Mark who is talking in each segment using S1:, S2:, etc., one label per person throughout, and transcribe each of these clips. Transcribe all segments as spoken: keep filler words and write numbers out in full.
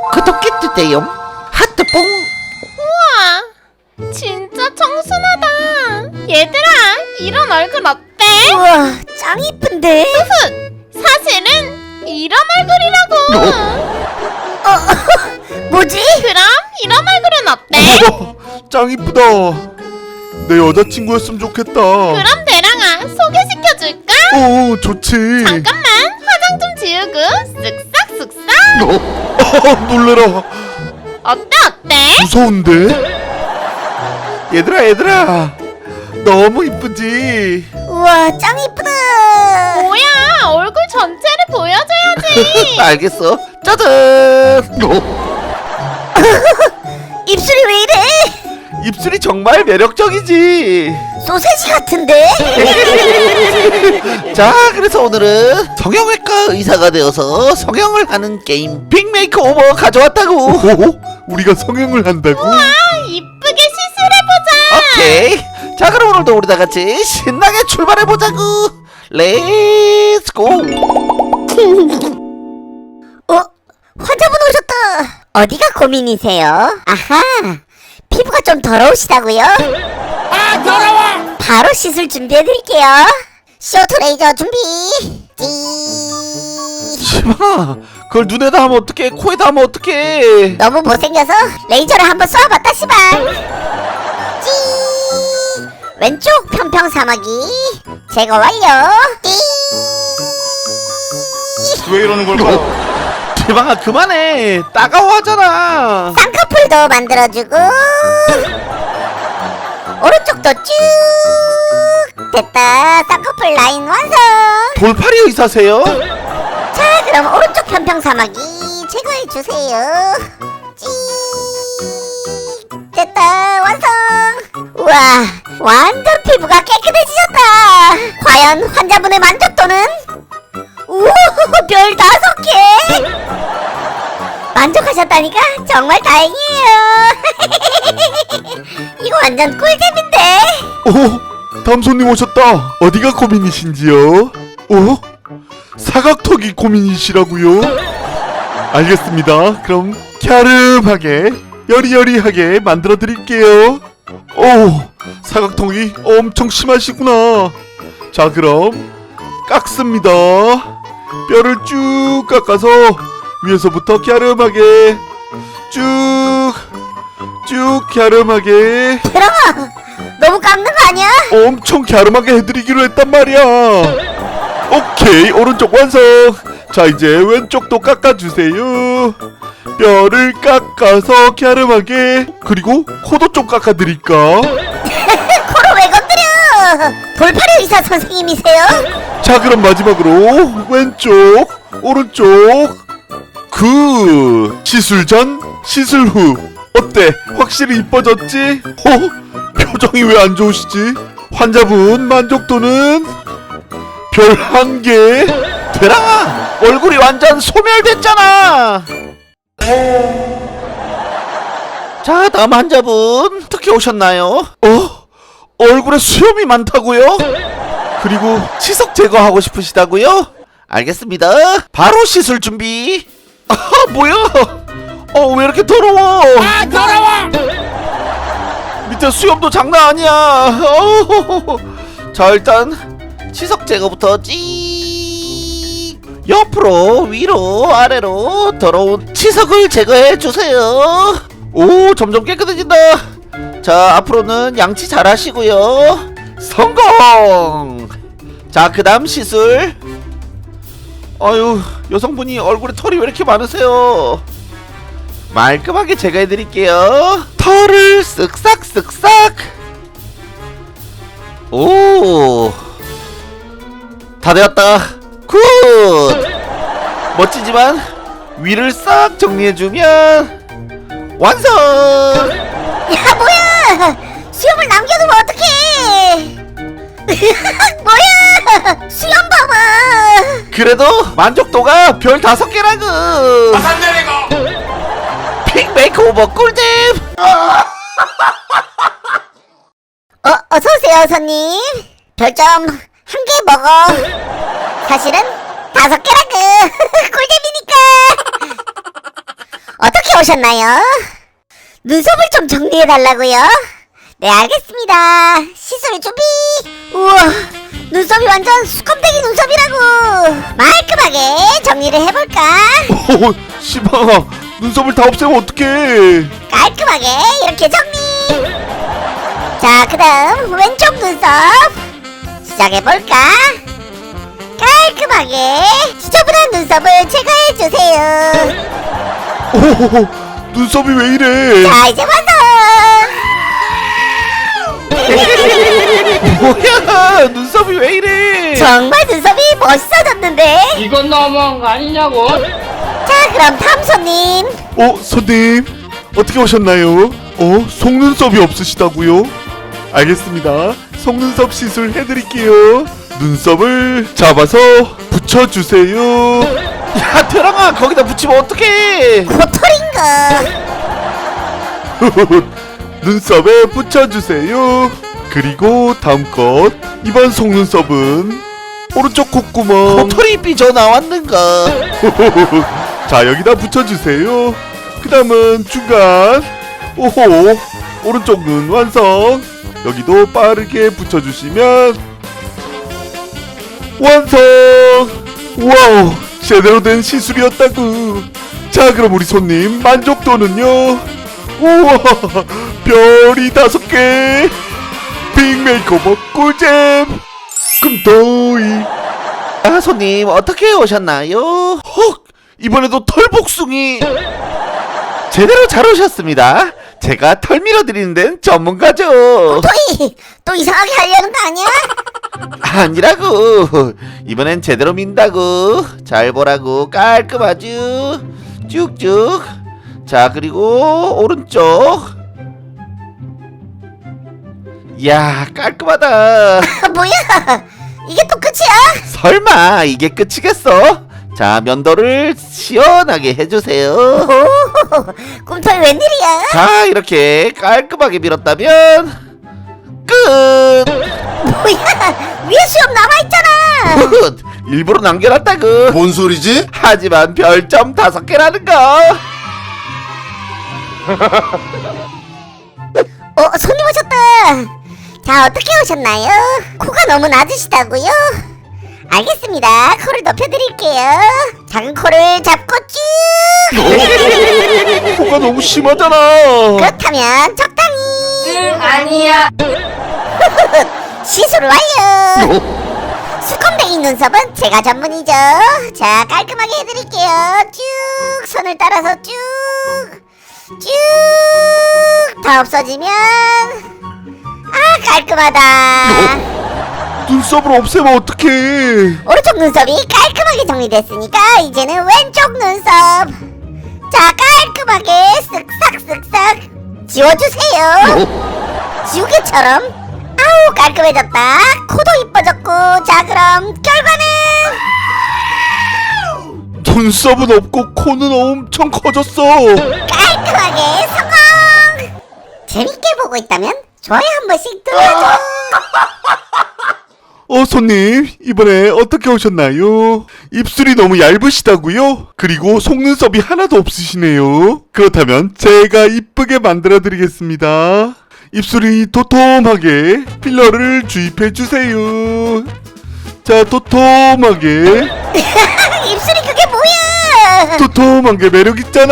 S1: 구독해주세요. 하트뽕.
S2: 우와, 진짜 청순하다. 얘들아, 이런 얼굴 어때?
S3: 우와, 짱 이쁜데?
S2: 훗, 사실은 이런 얼굴이라고.
S3: 어, 뭐지?
S2: 그럼 이런 얼굴은 어때?
S4: 우와, 짱 이쁘다. 내 여자친구였으면 좋겠다.
S2: 그럼 대랑아, 소개시켜줄까?
S4: 어, 좋지.
S2: 잠깐만, 화장 좀 지우고 쓱싹 쓱싹.
S4: 어, 놀래라.
S2: 어때 어때?
S4: 무서운데? 얘들아, 얘들아. 너무 이쁘지?
S3: 우와, 짱 이쁘다.
S2: 뭐야, 얼굴 전체를 보여줘야지.
S1: 알겠어. 짜잔.
S3: 입술이 왜 이래?
S1: 입술이 정말 매력적이지.
S3: 소세지 같은데?
S1: 자, 그래서 오늘은 성형외과 의사가 되어서 성형을 하는 게임 빅메이크 오버 가져왔다고.
S4: 오, 우리가 성형을 한다고?
S2: 아, 이쁘게 시술해보자.
S1: 오케이. 자, 그럼 오늘도 우리 다 같이 신나게 출발해보자고. 렛츠고.
S3: 어? 환자분 오셨다. 어디가 고민이세요? 아하, 피부가 좀 더러우시다고요? 아, 더러워! 바로 시술 준비해드릴게요. 쇼트 레이저 준비. 찌.
S1: 시방아, 그걸 눈에다 하면 어떡해, 코에다 하면 어떡해.
S3: 너무 못생겨서 레이저를 한번 쏘아봤다 시방. 찌. 왼쪽 평평 사마귀 제거 완료. 찌.
S4: 왜 이러는 걸까?
S1: 시방아, 그만해. 따가워하잖아.
S3: 쌍꺼풀도 만들어주고 오른쪽도 쭉 됐다. 쌍꺼풀 라인 완성.
S1: 돌팔이 의사세요?
S3: 자, 그럼 오른쪽 편평 사마귀 제거해주세요. 찌 됐다. 완성. 우와, 완전 피부가 깨끗해지셨다. 과연 환자분의 만족도는? 우와, 별 다섯 개. 만족하셨다니까 정말 다행이에요. 이거 완전 꿀잼인데.
S4: 오, 다음 손님 오셨다. 어디가 고민이신지요? 오, 사각턱이 고민이시라고요? 알겠습니다. 그럼 갸름하게 여리여리하게 만들어 드릴게요. 오, 사각턱이 엄청 심하시구나. 자, 그럼 깎습니다. 뼈를 쭉 깎아서 위에서부터 갸름하게 쭉 쭉 갸름하게
S3: 들어가. 너무 깎는 거 아니야?
S4: 엄청 갸름하게 해드리기로 했단 말이야. 오케이, 오른쪽 완성. 자, 이제 왼쪽도 깎아주세요. 뼈를 깎아서 갸름하게. 그리고 코도 좀 깎아드릴까?
S3: 코를 왜 건드려? 돌팔이 의사 선생님이세요?
S4: 자, 그럼 마지막으로 왼쪽 오른쪽. 그 시술 전 시술 후 어때? 확실히 이뻐졌지? 어? 표정이 왜 안 좋으시지? 환자분 만족도는 별 한 개.
S1: 대랑아, 얼굴이 완전 소멸됐잖아. 자, 다음 환자분 어떻게 오셨나요?
S4: 어?
S1: 얼굴에 수염이 많다고요? 그리고 치석 제거하고 싶으시다고요? 알겠습니다. 바로 시술 준비. 아, 뭐야? 어, 왜 이렇게 더러워? 아, 더러워! 밑에 수염도 장난 아니야. 어, 자, 일단 치석 제거부터 찍. 옆으로, 위로, 아래로 더러운 치석을 제거해 주세요. 오, 점점 깨끗해진다. 자, 앞으로는 양치 잘 하시고요. 성공! 자, 그 다음 시술. 아유, 여성분이 얼굴에 털이 왜 이렇게 많으세요? 말끔하게 제거해드릴게요. 털을 쓱싹 쓱싹. 오, 다 되었다. 굿. 멋지지만 위를 싹 정리해주면 완성.
S3: 야, 뭐야? 수염을 남겨두면 어떡해? 뭐야? 수염 봐봐.
S1: 그래도 만족도가 별 다섯 개라고. 픽 메이크오버 꿀잼.
S3: 어, 어서오세요, 손님. 별점 한 개 먹어. 사실은 다섯 개라고. 꿀잼이니까. 어떻게 오셨나요? 눈썹을 좀 정리해달라고요? 네, 알겠습니다. 시술 준비. 우와, 눈썹이 완전 수컴댕이 눈썹이라고. 말끔하게 정리를 해볼까?
S4: 오, 시방아, 눈썹을 다 없애면 어떡해?
S3: 깔끔하게 이렇게 정리. 자, 그 다음 왼쪽 눈썹 시작해볼까? 깔끔하게 지저분한 눈썹을 제거해주세요.
S4: 오, 눈썹이 왜 이래?
S3: 자, 이제 완성.
S1: 뭐야 눈썹이 왜 이래?
S3: 정말 눈썹이 멋있어졌는데?
S5: 이건 너무한 거 아니냐고?
S3: 자, 그럼 다음 손님.
S4: 어, 손님, 어떻게 오셨나요? 어, 속눈썹이 없으시다고요? 알겠습니다. 속눈썹 시술 해드릴게요. 눈썹을 잡아서 붙여주세요.
S1: 야 대랑아 거기다 붙이면 어떡해?
S3: 고토린가.
S4: 눈썹에 붙여주세요. 그리고 다음 것, 이번 속눈썹은 오른쪽 콧구멍.
S1: 도토리 삐져 나왔는가?
S4: 자, 여기다 붙여주세요. 그 다음은 중간. 오호, 오른쪽 눈 완성. 여기도 빠르게 붙여주시면 완성. 와우, 제대로 된 시술이었다구. 자, 그럼 우리 손님 만족도는요? 우와, 별이 다섯 개. 빅 메이크오버 꿀잼. 금도이.
S1: 아 손님 어떻게 오셨나요? 헉 이번에도 털복숭이 제대로 잘 오셨습니다. 제가 털 밀어드리는 데는 전문가죠.
S3: 토이, 또 이상하게 하려는 거 아니야?
S1: 아니라고 이번엔 제대로 민다고. 잘 보라고. 깔끔하죠. 쭉쭉. 자 그리고 오른쪽. 이야 깔끔하다.
S3: 아, 뭐야? 이게 또 끝이야?
S1: 설마 이게 끝이겠어? 자 면도를 시원하게 해주세요.
S3: 오, 꿈토이 웬일이야?
S1: 자 이렇게 깔끔하게 밀었다면 끝.
S3: 뭐야? 위에 수염 남아있잖아.
S1: 끝. 일부러 남겨놨다고.
S6: 뭔 소리지?
S1: 하지만 별점 다섯 개라는 거.
S3: 어, 손님 오셨다. 자, 어떻게 오셨나요? 코가 너무 낮으시다고요? 알겠습니다. 코를 높여드릴게요. 작은 코를 잡고 쭉.
S4: 코가 너무 심하잖아.
S3: 그렇다면 적당히.
S5: 응, 아니야.
S3: 시술 완료. 수컴댕이 눈썹은 제가 전문이죠. 자, 깔끔하게 해드릴게요. 쭉 손을 따라서 쭉. 쭉. 다 없어지면 아, 깔끔하다.
S4: 눈썹을 없애면 어떡해.
S3: 오른쪽 눈썹이 깔끔하게 정리됐으니까 이제는 왼쪽 눈썹. 자, 깔끔하게 쓱싹 쓱싹 지워주세요. 지우개처럼. 아우, 깔끔해졌다. 코도 이뻐졌고. 자, 그럼 결과는
S4: 눈썹은 없고 코는 엄청 커졌어.
S3: 깔끔하게 성공. 재밌게 보고 있다면 좋아요 한 번씩 눌러줘.
S4: 어, 손님, 이번에 어떻게 오셨나요? 입술이 너무 얇으시다고요? 그리고 속눈썹이 하나도 없으시네요. 그렇다면 제가 이쁘게 만들어 드리겠습니다. 입술이 도톰하게 필러를 주입해 주세요. 자, 도톰하게.
S3: 입술이 그게 뭐야?
S4: 도톰한 게 매력 있잖아.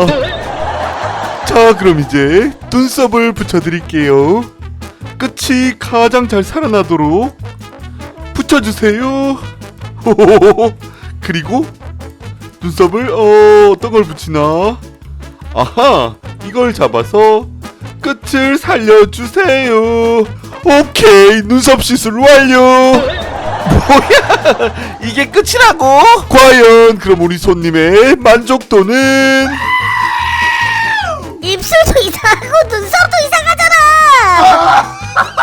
S4: 자, 그럼 이제 눈썹을 붙여드릴게요. 끝이 가장 잘 살아나도록 붙여주세요. 호호호호. 그리고 눈썹을 어 어떤 걸 붙이나? 아하, 이걸 잡아서 끝을 살려주세요. 오케이, 눈썹 시술 완료.
S1: 뭐야 이게 끝이라고?
S4: 과연 그럼 우리 손님의 만족도는?
S3: 입술도 이상하고 눈썹도 이상하잖아.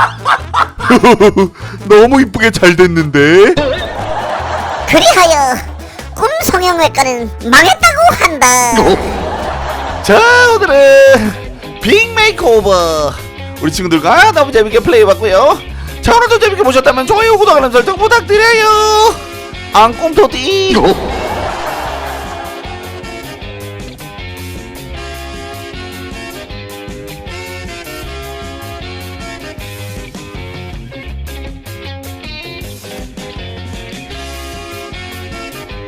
S4: 너무 이쁘게 잘 됐는데.
S3: 그리하여 꿈 성형외과는 망했다고 한다.
S1: 자 오늘은 빅 메이크오버 우리 친구들과 너무 재밌게 플레이해봤고요. 자 오늘도 재밌게 보셨다면 좋아요 구독 알람 설정 부탁드려요. 앙꿈토디